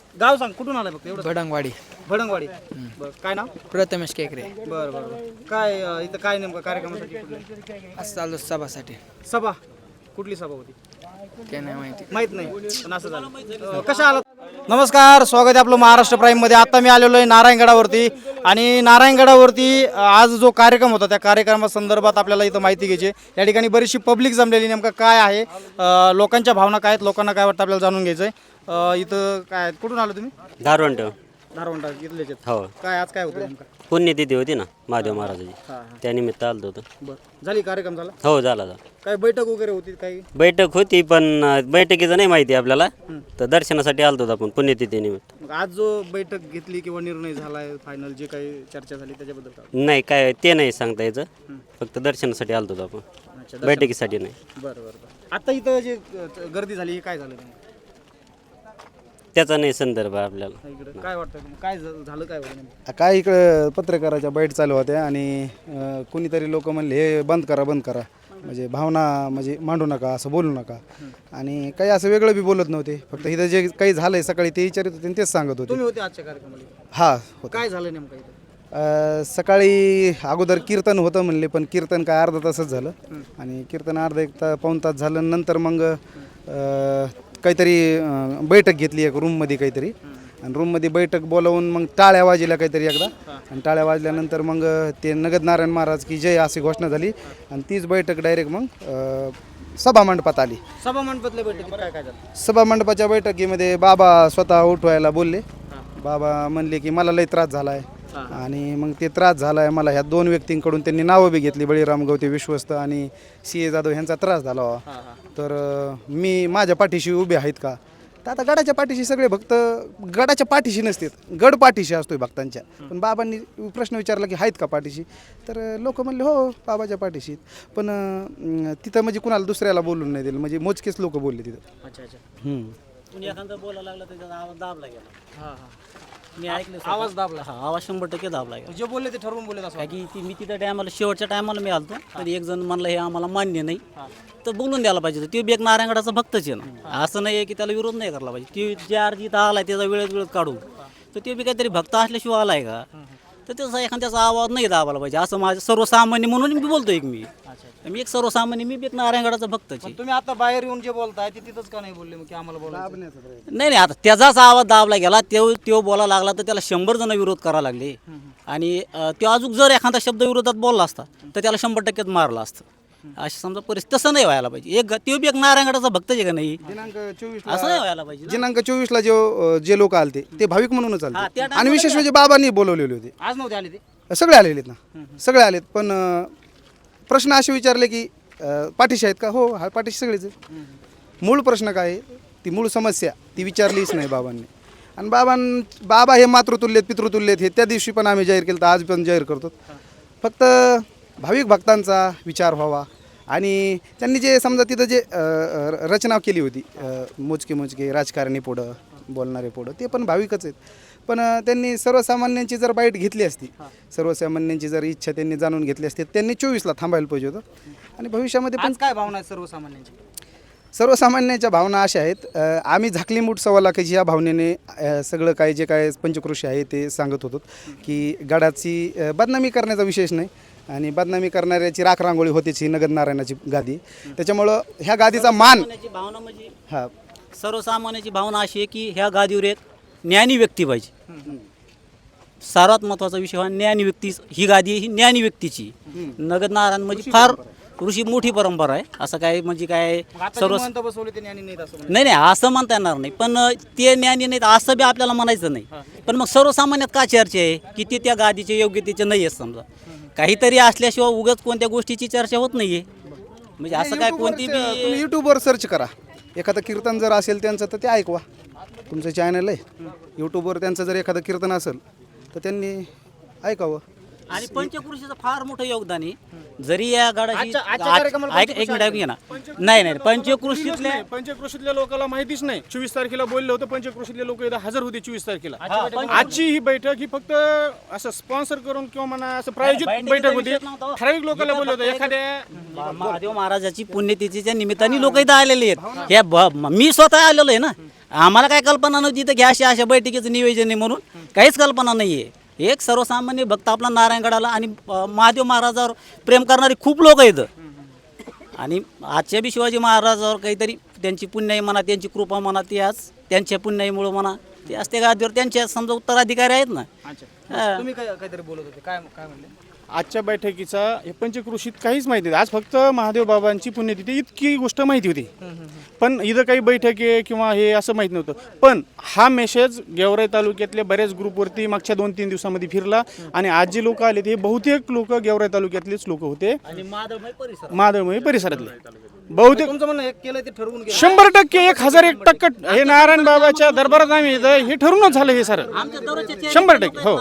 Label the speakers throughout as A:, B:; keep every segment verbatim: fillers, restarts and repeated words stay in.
A: गाव सांग कुठून आलाय फक्त एवढं.
B: भडंगवाडी.
A: भडंगवाडी. बरं काय नाव?
B: प्रथमेश केकरे.
A: बरं बरं बरं. काय अं, इथं काय नेमकं कार्यक्रमासाठी कुठले?
B: असं चालू सभासाठी.
A: सभा कुठली सभा होती
B: ते नाही माहिती.
A: माहित नाही पण असं झालं. अं, कशा आलात? नमस्कार, स्वागत आहे आपलं महाराष्ट्र प्राईममध्ये. आता मी आलेलो आहे नारायणगडावरती आणि नारायणगडावरती अं, आज जो कार्यक्रम होता त्या कार्यक्रमासंदर्भात आपल्याला इथं माहिती घ्यायची आहे. या ठिकाणी बरीचशी पब्लिक जमलेली. नेमकं काय आहे, अं, लोकांच्या भावना काय आहेत, लोकांना काय वाटतं आपल्याला जाणून घ्यायचं आहे. अं, इथं काय कुठून आलो तुम्ही?
C: धारवंट.
A: धारवंटा इथलेच आहेत.
C: हो,
A: काय आज काय होतं नेमकं?
C: पुण्यतिथी होती ना महादेव महाराजाची,
A: हां हां
C: त्यानिमित्त आलतो होतो.
A: बरं झाली कार्यक्रम झाला?
C: हो, झाला झाला.
A: काय बैठक वगैरे होती काही?
C: बैठक होती पण अं, बैठकीचं नाही माहिती आपल्याला, तर दर्शनासाठी आलतो होतो आपण पुण्यतिथी निमित्त.
A: मग आज जो बैठक घेतली किंवा निर्णय झाला आहे फायनल जे काही चर्चा झाली त्याच्याबद्दल काय?
C: नाही काय ते नाही सांगता यायचं, फक्त दर्शनासाठी आलतो होतो आपण,
A: अच्छा,
C: बैठकीसाठी नाही.
A: बरं बरं बरं. आता इथं जे अं, गर्दी झाली हे काय झालं नेमकं?
C: त्याचा नाही संदर्भ आहे आपल्याला.
A: इकडं काय वाटतं तुम्हाला? काय झा- झालं काय होतं नेमकं?
D: काय इकडं पत्रकाराच्या बैठ चालू होत्या आणि अं, कुणीतरी लोक म्हणले हे बंद करा बंद करा, म्हणजे भावना म्हणजे मांडू नका, असं बोलू नका. आणि काही असं वेगळं बी बोलत नव्हते, फक्त इथं जे काही झालंय सकाळी ते विचारित होते आणि तेच सांगत होते.
A: तुम्ही होते आजच्या कार्यक्रमाला?
D: हा होतं.
A: काय झालं नेमकं इथं?
D: अं, सकाळी अगोदर कीर्तन होतं म्हणले, पण कीर्तन काय अर्धा तासच झालं आणि कीर्तन अर्धा एक तास पाऊण तास झालं. नंतर मग अं, काहीतरी अं, बैठक घेतली एक रूममध्ये काहीतरी, आणि रूममध्ये बैठक बोलावून मग टाळ्या वाजल्या काहीतरी एकदा, आणि टाळ्या वाजल्यानंतर मग ते नगद नारायण महाराज की जय अशी घोषणा झाली आणि तीच बैठक डायरेक्ट मग अं, सभा मंडपात आली.
A: सभा मंडपातल्या बैठकीत काय काय झालं?
D: सभा मंडपाच्या बैठकीमध्ये बाबा स्वतः उठवायला बोलले. बाबा म्हणले की मला लई त्रास झाला आहे, आणि मग ते त्रास झाला आहे मला, ह्या दोन व्यक्तींकडून त्यांनी नावं बी घेतली, बळीराम गवते विश्वस्त आणि सी ए जाधव ह्यांचा त्रास झाला हो. तर अं, मी माझ्या पाठीशी उभे आहेत का? तर आता गडाच्या पाठीशी सगळे भक्त गडाच्या पाठीशी नसतात, गड पाठीशी असतोय भक्तांच्या. पण बाबांनी प्रश्न विचारला की आहेत का पाठीशी? तर लोक म्हणले हो बाबाच्या पाठीशी. पण अं, तिथं म्हणजे कुणाला दुसऱ्याला बोलून नाही दिलं, म्हणजे मोजकेच लोक बोलले तिथं.
A: अच्छा अच्छा.
D: हम्म.
E: कुणी एखादा बोलायला लागला त्याचा आवाज दाबला गेला.
A: हां हां.
E: मी ऐकलं स्वतः.
A: आवाज दाबला?
E: हा, आवाज शंभर टक्के दाबला गेला.
A: जे बोलले ते ठरवून बोलले असं
E: काय की ती मी तिथं टायमाला शेवटच्या टायमाला मी आलतो, तर एक जण म्हणलं हे आम्हाला मान्य नाही, तर बोलून द्यायला पाहिजे. तो बी एक नारायणगडाचा भक्तच आहे ना, असं नाही आहे की त्याला विरोध नाही करायला पाहिजे. ती ज्या अर्जी इथं आलाय त्याचा वेळेत वेळेत काढून, तर ते बी काहीतरी भक्त असल्याशिवाय आलाय का, तर त्याचा एखाद्याचा आवाज नाही दाबायला पाहिजे. असं माझं सर्वसामान्य म्हणून मी बोलतो. एक मी मी एक सर्वसामान्य, मी बी एक नारायणगडाचा भक्तच आहे.
A: तुम्ही आता बाहेर येऊन जे बोलताय ते तिथंच का नाही बोलले मग की आम्हाला बोलायचं?
E: नाही नाही, आता त्याचाच आवाज दाबला गेला, तो तो बोलायला लागला तर त्याला शंभर जण विरोध करायला लागले, आणि अं, तो अजून जर एखादा शब्द विरोधात बोलला असता तर त्याला शंभर टक्क्यात मारला असतं. अशी समजा परिस्थिती, तसं नाही व्हायला पाहिजे. एक तो बी एक नारायणगडाचा भक्तच आहे का नाही,
D: दिनांक चोवीस
E: असं नाही व्हायला पाहिजे ना.
D: दिनांक चोवीस ला जो जे लोक आलते ते भाविक म्हणूनच
E: हा, त्या
D: आलते,
E: टायमाला
D: आणि विशेष म्हणजे बाबांनी बोलवलेले होते.
A: आज नव्हते आले ते?
D: सगळे आलेले आहेत ना, सगळे आलेत. पण अं, प्रश्न असे विचारले की अं, पाठीशी आहेत का? हो हा पाठीशी सगळेच आहेत. मूळ प्रश्न काय आहे, ती मूळ समस्या ती विचारलीच नाही बाबांनी. आणि बाबां बाबा हे मातृतुल्यत पितृतुल्यत हे त्या दिवशी पण आम्ही जाहीर केलं, तर आज पण जाहीर करतो. फक्त भाविक भक्तांचा विचार व्हावा, आणि त्यांनी जे समजा तिथं जे अं, रचना केली होती, अं, मोजके मोजके राजकारणी पुढं बोलणारे पुढं, ते पण भाविकच आहेत. पण अं, त्यांनी सर्वसामान्यांची जर बाईट घेतली असती, सर्वसामान्यांची जर इच्छा त्यांनी जाणून घेतली असती, त्यांनी चोवीसला थांबायला पाहिजे होतं. आणि भविष्यामध्ये पण
A: आज काय भावना आहेत सर्वसामान्यांची?
D: सर्वसामान्यांच्या भावना अशा आहेत, अं, आम्ही झाकली मूठ सव्वा लाखाची या भावनेने अं, सगळं काय जे काय पंचकृषी आहे ते सांगत होतो की गडाची अं, बदनामी करण्याचा विशेष नाही, आणि बदनामी करणाऱ्याची राख रांगोळी होतीच ही नगद नारायणाची गादी. त्याच्यामुळं ह्या गादीचा मान
E: सर्वसामान्याची भावना म्हणजे
D: हा
E: सर्वसामान्याची भावना अशी आहे की ह्या गादीवर एक ज्ञानी व्यक्ती पाहिजे. सर्वात महत्वाचा विषय हा ज्ञानी व्यक्ती. ही गादी ही ज्ञानी व्यक्तीची. नगद नारायण म्हणजे फार ऋषी मोठी परंपरा आहे. असं काय म्हणजे काय सर्व
A: मंत बसवले ते ज्ञानी नाहीत असं म्हणतात.
E: नाही नाही असं म्हणता येणार नाही, पण ते ज्ञानी नाहीत असं बी आपल्याला म्हणायचं नाही. पण मग सर्वसामान्यात का चर्चा आहे की ते त्या गादीचे योग्यतेचे नाही आहे. समजा काहीतरी असल्याशिवाय उगाच कोणत्या गोष्टीची चर्चा होत नाहीये. म्हणजे असं काय कोणती
D: तुम्ही
E: बी
D: यूट्यूबवर सर्च करा, एखादं कीर्तन जर असेल त्यांचं तर ते ऐकवा. तुमचं चॅनल आहे यूट्यूबवर, त्यांचं जर एखादं कीर्तन असेल तर त्यांनी ऐकावं.
E: आणि पंचकृषीचं फार मोठं योगदान आहे. जरी या गडाची
A: आजच्या- आजच्या
E: आज-
A: कार्यक्रमाला
E: ऐक- एक मिनिट ऐकूया ना. नाही नाही पंचकृषीतले
F: पंचक्रोशीतल्या लोकांना माहितीच नाही. चोवीस तारखेला बोललं होतं, पंचक्रोशीतले लोक इथं हजर होते चोवीस तारखेला. आजची ही बैठक ही फक्त असं स्पॉन्सर करून किंवा म्हणा असं प्रायोजित
E: बैठकीचा
F: बैठक होती.
E: विषयच नव्हता.
F: ठराविक लोकांना बोललं होतं. एखाद्या
E: महादेव महाराजाची पुण्यतिथीच्या निमित्ताने लोक इथं आलेले आहेत. हे ब- मी स्वतः आलेलो आहे ना. आम्हाला काय कल्पना नव्हती तर की अशा अशा बैठकीचं नियोजन आहे म्हणून काहीच कल्पना नाही आहे. एक सर्वसामान्य भक्त आपला नारायणगडाला आणि अ, महादेव महाराजावर प्रेम करणारे खूप लोक आहेत आणि आजच्या बी शिवाजी महाराजावर काहीतरी त्यांची पुण्याई म्हणा, त्यांची कृपा म्हणा, ती आज त्यांच्या पुण्याईमुळं म्हणा, ते आज त्या गादीवर त्यांचे समजा उत्तराधिकारी आहेत ना. हा.
A: तुम्ही काय काहीतरी बोलत होते, काय काय म्हणले?
F: आजच्या बैठकीचा हे पंचक्रोशीत काहीच माहिती नाही. आज फक्त महादेव बाबांची पुण्यतिथी इतकी गोष्ट माहिती होती, पण इथं काही बैठक आहे किंवा हे असं माहीत नव्हतं. पण हा मेसेज गेवराई तालुक्यातल्या बऱ्याच ग्रुपवरती मागच्या दोन तीन दिवसामध्ये फिरला आणि आज जे लोक आले ते बहुतेक लोक गेवराई तालुक्यातलेच लोक होते,
E: आणि माधवमय परिसर
F: माधवमय परिसरातले बहुतेक.
A: तुमचं म्हणणं हे केलं ते ठरवून गेलं.
F: शंभर टक्के एक हजार एक टक्के हे नारायण बाबाच्या दरबारात आम्ही इथं हे ठरूनच झालं हे सर शंभर टक्के. हो,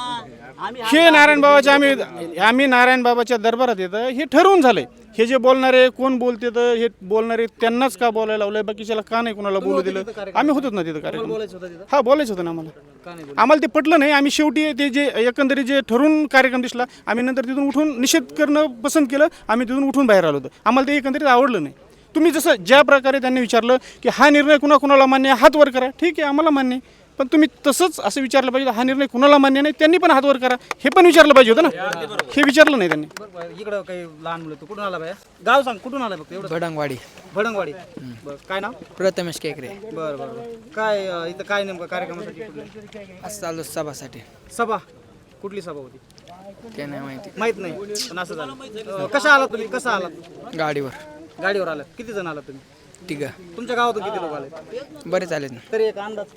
F: हे नारायण बाबाच्या आम्ही आम्ही नारायण बाबाच्या दरबारात येतं हे ठरवून झालंय. हे जे बोलणारे कोण बोलते तर हे बोलणारे त्यांनाच का बोलायला लावलंय, बाकीच्याला का नाही कोणाला बोलू दिलं. आम्ही होतोच ना तिथं कार्यक्रम. हा, बोलायचं होतं ना आम्हाला. आम्हाला ते पटलं नाही. आम्ही शेवटी ते जे एकंदरीत जे ठरून कार्यक्रम दिसला आम्ही नंतर तिथून उठून निषेध करणं पसंत केलं. आम्ही तिथून उठून बाहेर आलो होतो. आम्हाला ते एकंदरीत आवडलं नाही. तुम्ही जसं ज्या प्रकारे त्यांनी विचारलं की हा निर्णय कुणा कुणाला मान्य आहे, हात वर करा. ठीक आहे, आम्हाला मान्य आहे. पण तुम्ही तसंच असं विचारलं पाहिजे हा निर्णय कुणाला मान्य नाही, त्यांनी पण हात वर करा हे पण विचारलं पाहिजे होतं ना. हे विचारलं नाही त्यांनी.
A: बरं, इकडं काही लहान मुलं, तू कुठून आला बाया? गाव सांग, कुठून आलाय फक्त एवढं?
B: भडंगवाडी.
A: भडंगवाडी. बरं, काय नाव?
B: प्रथमेश केकरे.
A: बरं बरं बरं. काय अं, इथं काय नेमकं कार्यक्रमासाठी कुठले?
B: असं चालू सभासाठी.
A: सभा कुठली सभा होती?
B: काय नाही माहिती.
A: माहित नाही, पण असं झालं. अं, कशा आलात तुम्ही, कसं आलात?
B: गाडीवर.
A: गाडीवर आलात. किती जण आलात तुम्ही?
B: ठीक आहे.
A: तुमच्या गावातून किती लोक आले?
B: बरेच आलेत ना.
A: तरी एक अंदाज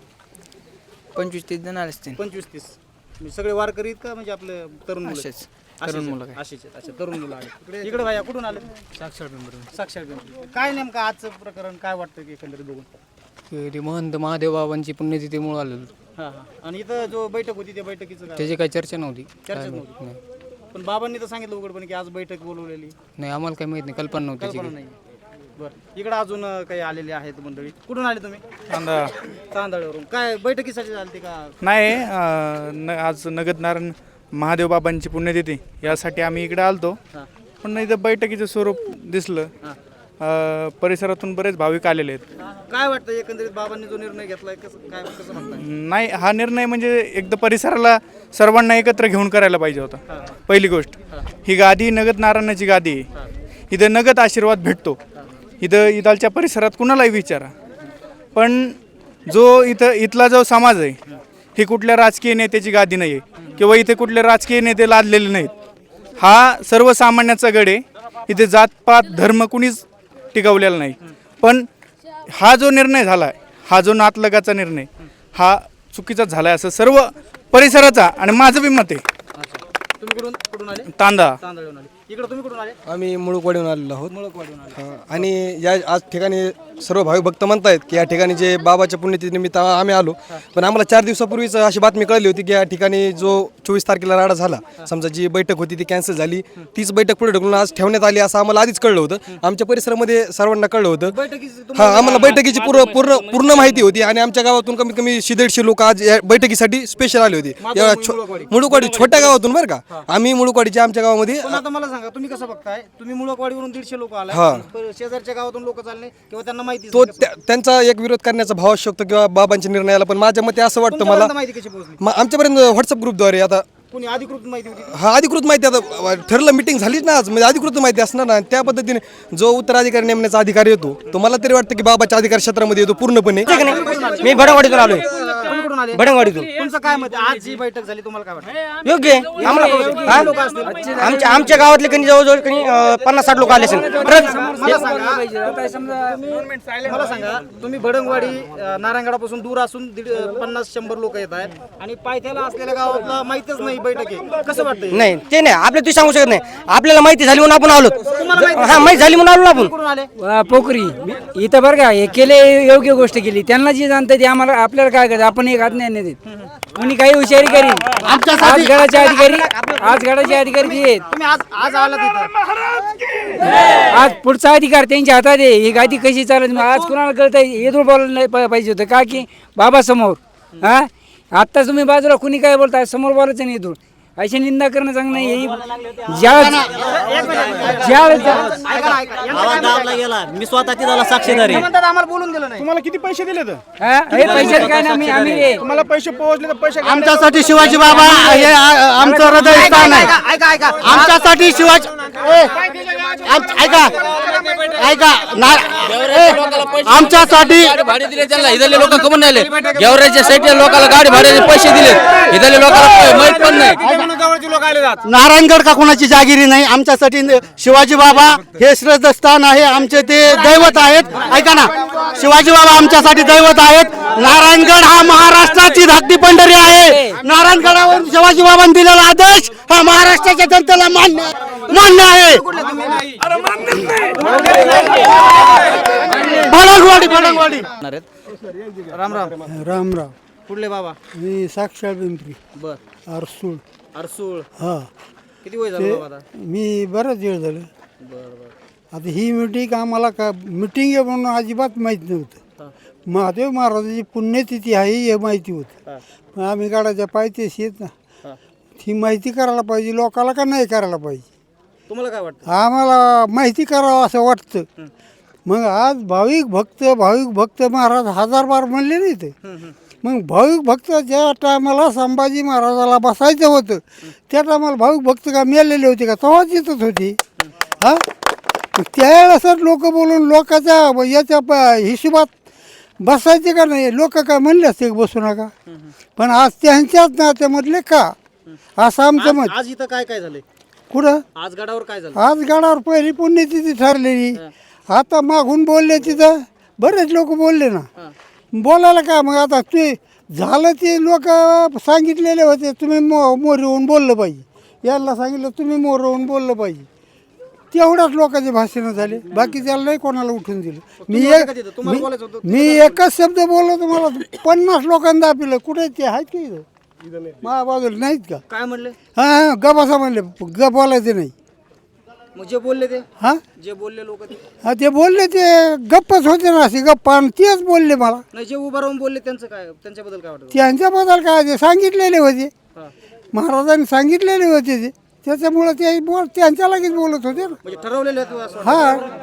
B: पंचवीस तीस जण आले असतील.
A: पंचवीस तीस. म्हणजे सगळे वारकरी आहेत का, म्हणजे आपले तरुण मुलं?
B: असेच.
A: असेच
B: तरुण
A: आहेत.
B: मुलं काय.
A: असेच आहेत. अच्छा, तरुण मुलं आले. इकडे भाया कुठून आले?
G: साक्षर पिंपरी.
A: साक्षर पिंपरी. काय नेमकं आजचं प्रकरण काय वाटतं की एकंदरीत बघून?
G: ते महंत महादेव बाबांची पुण्यतिथीमुळे आलेलो.
A: हां हां. आणि इथं जो बैठक होती त्या बैठकीचं काय?
G: त्याची काही चर्चा नव्हती.
A: चर्चा नव्हती. पण बाबांनी तर सांगितलं उघडपणे की आज बैठक बोलवलेली.
G: नाही, आम्हाला काही माहित नाही, कल्पना नव्हती त्याची.
A: कल्पना नाही. बरं, इकडं अजून अं, काही आलेले आहेत मंडळी. कुठून आले तुम्ही?
H: तांदळा
A: तांदळावरून. काय बैठकीसाठी आलते का?
H: नाही अं, न आज नगद नारायण महादेव बाबांची पुण्यतिथी यासाठी आम्ही इकडे आलतो.
A: हां.
H: पण इथं बैठकीचं स्वरूप दिसलं. अं, परिसरातून बरेच भाविक आलेले आहेत.
A: काय वाटतं एकंदरीत बाबांनी जो निर्णय घेतलाय कसं काय कसं म्हणताय?
H: नाही, हा निर्णय म्हणजे एकदा परिसराला सर्वांना एकत्र घेऊन करायला पाहिजे होता. पहिली गोष्ट, ही गादी नगद नारायणाची गादी आहे. इथं नगद आशीर्वाद भेटतो. इथं इथालच्या परिसरात कुणालाही विचारा. पण जो इथं इथला जो समाज आहे ही कुठल्या राजकीय नेत्याची गादी नाही आहे किंवा इथे कुठले राजकीय नेते लादलेले नाहीत. हा सर्वसामान्याचा गड आहे. इथे जातपात धर्म कुणीच टिकवलेला नाही. पण हा जो निर्णय झाला आहे, हा जो नातलगाचा निर्णय, हा चुकीचाच झाला आहे असं सर्व परिसराचा आणि माझं बी मत आहे.
A: तुम्ही कुठून कुठून आले?
H: तांदा
A: तांदळावरून आले. इकडे तुम्ही कुठून आले?
I: आम्ही मुळूकवाडीहून आलेलो आहोत.
A: मुळकवाडीहून आले.
I: हा, आणि या आज ठिकाणी सर्व भाविक भक्त म्हणतायत की या ठिकाणी जे बाबाच्या पुण्यतिथीनिमित्त आम्ही आलो. पण आम्हाला चार दिवसापूर्वीच अशी बातमी कळली होती की या ठिकाणी जो चोवीस तारखेला राडा झाला, समजा जी बैठक होती ती कॅन्सल झाली, तीच बैठक पुढे ढकलून आज ठेवण्यात आली असं आम्हाला आधीच कळलं होतं. आमच्या परिसरामध्ये सर्वांना कळलं होतं.
A: बैठकीचं
I: हा, आम्हाला बैठकीची पूर्ण पूर्ण पूर्ण माहिती होती आणि आमच्या गावातून कमीत कमी शे दीडशे लोक आज या बैठकीसाठी स्पेशल आले होते. या छो- मुळूकवाडी छोट्या गावातून बरं का. आम्ही मुळूकवाडीच्या आमच्या गावामध्ये
A: पण आता मला सांगा तुम्ही कसं बघताय? तुम्ही मुळकवाडीवरून दीडशे लोक आले,
I: हा.
A: शेजारच्या गावातून लोक चालले किंवा त्यांना माहिती
I: तो त्या- त्यांचा एक विरोध करण्याचा भाव असू शकतो किंवा बाबांच्या निर्णयाला. पण माझ्या मते असं वाटतं मला,
A: माहिती कशी पोहोचली?
I: म- आमच्यापर्यंत व्हॉट्सअप ग्रुपद्वारे आता
A: कोणी अधिकृत माहिती होती?
I: हा अधिकृत माहिती आता ठरलं, मिटिंग झालीच ना आज, म्हणजे अधिकृत माहिती असणार ना. त्या पद्धतीने जो उत्तराधिकारी नेमण्याचा अधिकार येतो तो मला तरी वाटतं की बाबाच्या अधिकार क्षेत्रामध्ये येतो पूर्णपणे.
B: मी भडंगवाडीतून आलोय.
A: तुम्ही कुठून आले?
B: भडंगवाडीतून.
A: तुमचं काय मत आहे? आज जी बैठक झाली तुम्हाला काय वाटतं?
B: योग्य आहे. आम्हाला आमच्या आमच्या गावातले कणी जवळजवळ कणी अं, पन्नास साठ लोक आले असेल.
A: मला सांगा मला सांगा तुम्ही भडंगवाडी अं, नारायणगडापासून दूर असून दीड पन्नास शंभर लोक येत आहेत आणि पायथ्याला असलेल्या गावातला माहितच नाही बैठक आहे, कसं वाटतं?
B: नाही ते नाही आपल्या तुम्ही सांगू शकत नाही. आपल्याला माहिती झाली म्हणून आपण आलो. हा, माहिती झाली म्हणून आलो ना आपण.
A: कुठून आले?
J: वा, पोखरी मी- इथं बरं का हे केले योग्य गोष्ट केली. त्यांना जे जाणतं ते आम्हाला आपल्याला काय करायचं, आपण एक हात नाही देत. कोणी काही हुशारी करीन. आज गडाचे अधिकारी आज गडाचे अधिकारी जे आहेत,
A: तुम्ही आज आज आला तिथं
J: आज पुढचा अधिकार त्यांच्या हातात आहे. ही गादी कशी चालत आज कुणाला कळत येदूळ बोलायला नाही पा- पाहिजे होतं का की बाबा समोर. हा, आत्ता तुम्ही बाजूला कुणी काय बोलताय, समोर बोलायचं नाही येदूळ. अशी निंदा करणं चांगलं नाही ही ज्या ज्या
E: आवाज दाबला गेला मी स्वतः तिथला साक्षीदार आहे
A: म्हणतात आम्हाला बोलून दिलं नाही.
F: तुम्हाला किती पैसे दिले तर
J: हा, हे पैशाचं काय ना आम्ही आम्ही
F: तुम्हाला पैसे पोहोचले तर पैसे
A: आमच्यासाठी शिवाजी बाबा हे आ- आमचं हृदय स्थान आहे. आमच्यासाठी शिवाजी ए, आम- ऐका ऐका ना ए, आमच्यासाठी
B: भाडे दिले त्यांना इथले लोक कमून नाही गेवराच्या साईडच्या लोकांना गाडी भाड्याचे पैसे दिले इथले लोकांना माहित पण नाही
A: नारायणगड का कोणाची जागिरी नाही. आमच्यासाठी न- शिवाजी बाबा हे श्रद्धास्थान आहे. आमचे ते दैवत आहेत. ऐका ना शिवाजी बाबा आमच्यासाठी दैवत आहेत. नारायणगड हा महाराष्ट्राची धाकटी पंढरी आहे. नारायणगडावर शिवाजी बाबांनी दिलेला आदेश हा महाराष्ट्राच्या जनतेला मान्य मान्य आहे. भडंगवाडी भडंगवाडी राम राम
D: राम राम.
A: कुठले बाबा
D: मी साक्षात पिंपरी
A: बर
D: अरसूळ.
A: अरसूळ
D: हा
A: किती वय झालं बाबा आता?
D: मी बरंच वेळ झालं. आता ही मिटिंग आम्हाला का मिटिंग आहे म्हणून अजिबात माहीत नव्हतं. महादेव महाराजाची पुण्यतिथी आहे हे माहिती होतं. पण आम्ही गाडाच्या पायथ्याशी येत ना ही माहिती करायला पाहिजे लोकाला का नाही करायला पाहिजे.
A: तुम्हाला काय वाटतं?
D: आम्हाला माहिती करावं असं वाटतं. मग आज भाविक भक्त भाविक भक्त महाराज हजार बार म्हणले नाही ते. मग भाविक भक्त ज्या टायमाला संभाजी महाराजाला बसायचं होतं त्या टायमाला भाविक भक्त का मेलेले होते का तेव्हाच येतच होती. हा त्यावेळेस लोक बोलून लोकांच्या याच्या प- हिशोबात बसायचे का नाही लोक काय म्हणले असते बसू नका. पण आज त्यांच्याच नात्यामधले का असं आमचं मत.
A: आज इथं काय काय झालंय?
D: कुठं
A: आज गडावर काय झालं?
D: आज गडावर पहिली पुण्यतिथी ठरलेली. आता मागून बोलले तिथं बरेच लोक बोलले ना. बोलायला का मग आता ते झालं ते लोक सांगितलेले होते तुम्ही मो मोर येऊन बोललं पाहिजे. याला सांगितलं तुम्ही मोर येऊन बोललं पाहिजे. तेवढ्याच लोकांचे भाषणं झाले. बाकी त्याला नाही कोणाला उठून दिलं. मी एक मी- मी एकच शब्द बोललो तुम्हाला पन्नास लोकांना दापिलं. कुठे ते आहेत का इथं माझ्या बाजूला नाहीत का?
A: काय म्हणले?
D: हां गपासा म्हणले ग बोलायचे नाही.
A: मग जे बोलले ते
D: हां
A: जे बोलले लोक ते
D: हा ते बोलले ते गप्पच होते ना असे गप्पा आणि तेच बोलले मला.
A: नाही जे उभा राहून बोलले त्यांचं काय त्यांच्याबद्दल काय वाटतं?
D: त्यांच्याबद्दल काय ते सांगितलेले होते महाराजांनी सांगितलेले होते ते त्याच्यामुळं ते बोल त्यांच्या लगेच बोलत होते ना.
A: म्हणजे ठरवलेले आहेत असं वाटतं?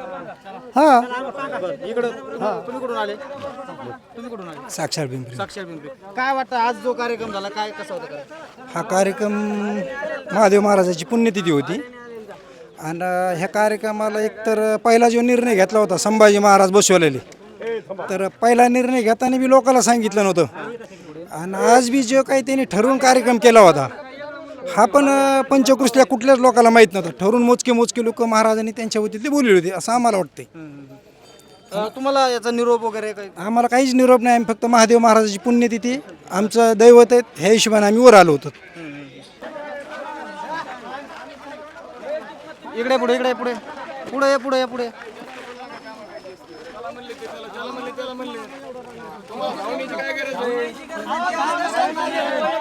D: हा हा
A: बरं, इकडं तुम्ही कुठून आले? तुम्ही कुठून आले?
I: साक्षात पिंपरी.
A: साक्षर पिंपरी. काय वाटतं आज जो कार्यक्रम झाला काय कसा होता काय?
I: हा कार्यक्रम महादेव महाराजाची पुण्यतिथी होती आणि ह्या कार्यक्रमाला एकतर पहिला जो निर्णय घेतला होता संभाजी महाराज बसवलेले तर पहिला निर्णय घेताना बी लोकांना सांगितलं नव्हतं आणि आज बी जो काही त्यांनी ठरवून कार्यक्रम केला होता हा पण पंचकृषीला कुठल्याच लोकांना माहीत नव्हतं. ठरवून मोजके मोजके लोक महाराजांनी त्यांच्या वतीतले बोलले होते असं आम्हाला वाटते.
A: अं, तुम्हाला याचा निरोप वगैरे काही?
I: आम्हाला काहीच निरोप नाही. आम्ही फक्त महादेव महाराजाची पुण्यतिथी आमचं दैवत आहे ह्या हिशोबाने आम्ही वर आलो होतो.
A: इकडे पुढे इकडे पुढे पुढे पुढे पुढे पुढे